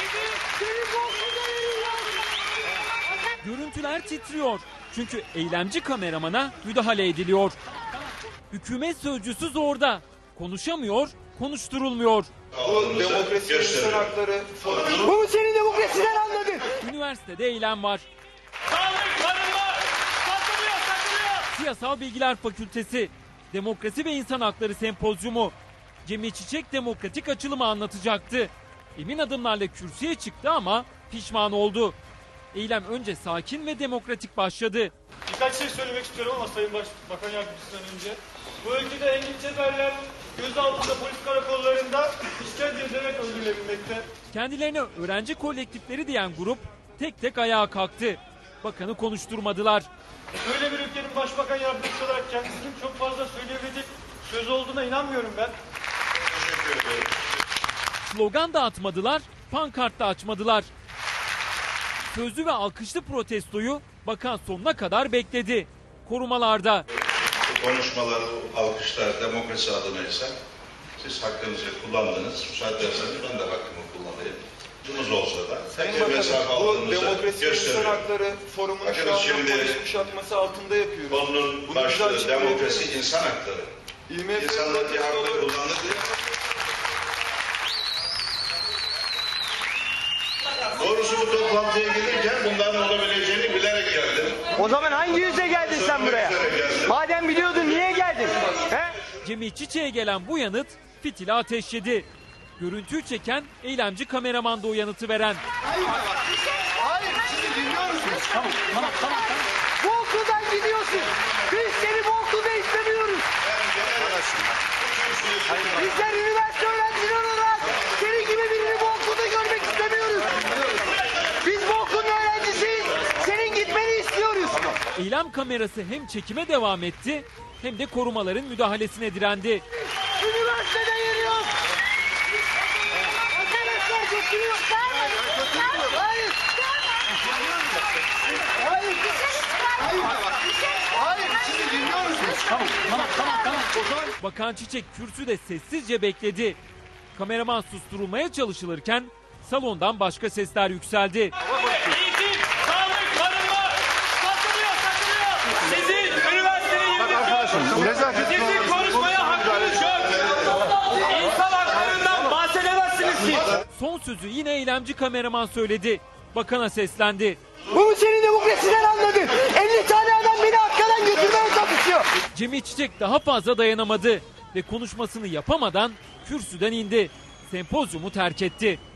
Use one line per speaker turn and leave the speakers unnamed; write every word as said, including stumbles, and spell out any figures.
Görüntüler titriyor. Çünkü eylemci kameramana müdahale ediliyor. Hükümet sözcüsü zorda. Konuşamıyor, konuşturulmuyor.
Bu demokrasi insan hakları. Bu mu senin demokrasiden anladın?
Üniversitede eylem var.
Sağlık, barınma, satılıyor, satılıyor.
Siyasal Bilgiler Fakültesi, Demokrasi ve İnsan Hakları Sempozyumu. Cemil Çiçek demokratik açılımı anlatacaktı. Emin adımlarla kürsüye çıktı ama pişman oldu. Eylem önce sakin ve demokratik başladı.
Birkaç şey söylemek istiyorum ama Sayın Baş, Bakan Yardımcısından önce. Bu ülkede Engin Çeperler gözaltında polis karakollarında işkence edilerek öldürülebilmekte.
Kendilerine öğrenci kolektifleri diyen grup tek tek ayağa kalktı. Bakanı konuşturmadılar.
Böyle bir ülkenin başbakan yardımcısı olarak kendisinin çok fazla söyleyebilecek söz olduğuna inanmıyorum ben.
Slogan da atmadılar, pankart da açmadılar. Sözlü ve alkışlı protestoyu bakan sonuna kadar bekledi. Korumalarda.
Bu konuşmalar, alkışlar demokrasi adına ise siz hakkınızı kullandınız. Müsaade ederseniz ben de hakkımı kullanayım. Bunuz olsa da
Sayın Bakanım, bu demokrasi insan hakları forumunu
Bakın
şu anda
şimdi,
polis kuşatması altında yapıyoruz.
konunun
Bunu
başlığı
bize
demokrasi
açıklayabilir
insan hakları.
İMF
İnsanlar bir hakkı
protestoları-
kullandı diye. Doğrusu bu toplantıya gelirken bunların olabileceğini bilerek geldim.
O zaman hangi yüzle geldin sen buraya? Madem biliyordun niye geldin? He?
Cemil Çiçek'e gelen bu yanıt fitili ateşledi. Görüntüyü çeken eylemci kameraman da o yanıtı veren.
Hayır, sizi dinliyoruz.
Tamam, tamam, tamam. Bu okuldan gidiyorsun. Biz seni bu okulda istemiyoruz. Bizler üniversite öğrencileri olarak seni gibi birini bu okulda görmek istemiyoruz. Biz bu okulun öğrencisiyiz. Senin gitmeni istiyoruz.
Eylem kamerası hem çekime devam etti hem de korumaların müdahalesine direndi.
Üniversitede yeri yok. Arkadaşlar götürüyor. Hayır. Hayır.
Hayır, sizi dinliyoruz.
Tamam, tamam, tamam, tamam.
Bakan Çiçek kürsüde sessizce bekledi. Kameraman susturulmaya çalışılırken salondan başka sesler yükseldi.
Eğitim, sağlık, barınma, satılıyor, satılıyor. Sizin üniversiteyi yönetiyor. Sizin konuşmaya hakkınız yok. İnsan haklarından bahsedemezsiniz siz.
Son sözü yine eylemci kameraman söyledi. Bakana seslendi.
Bu mu senin demokrasiden anladın? elli tane adam beni arkadan götürmeye çalışıyor.
Cemil Çiçek daha fazla dayanamadı ve konuşmasını yapamadan kürsüden indi. Sempozyumu terk etti.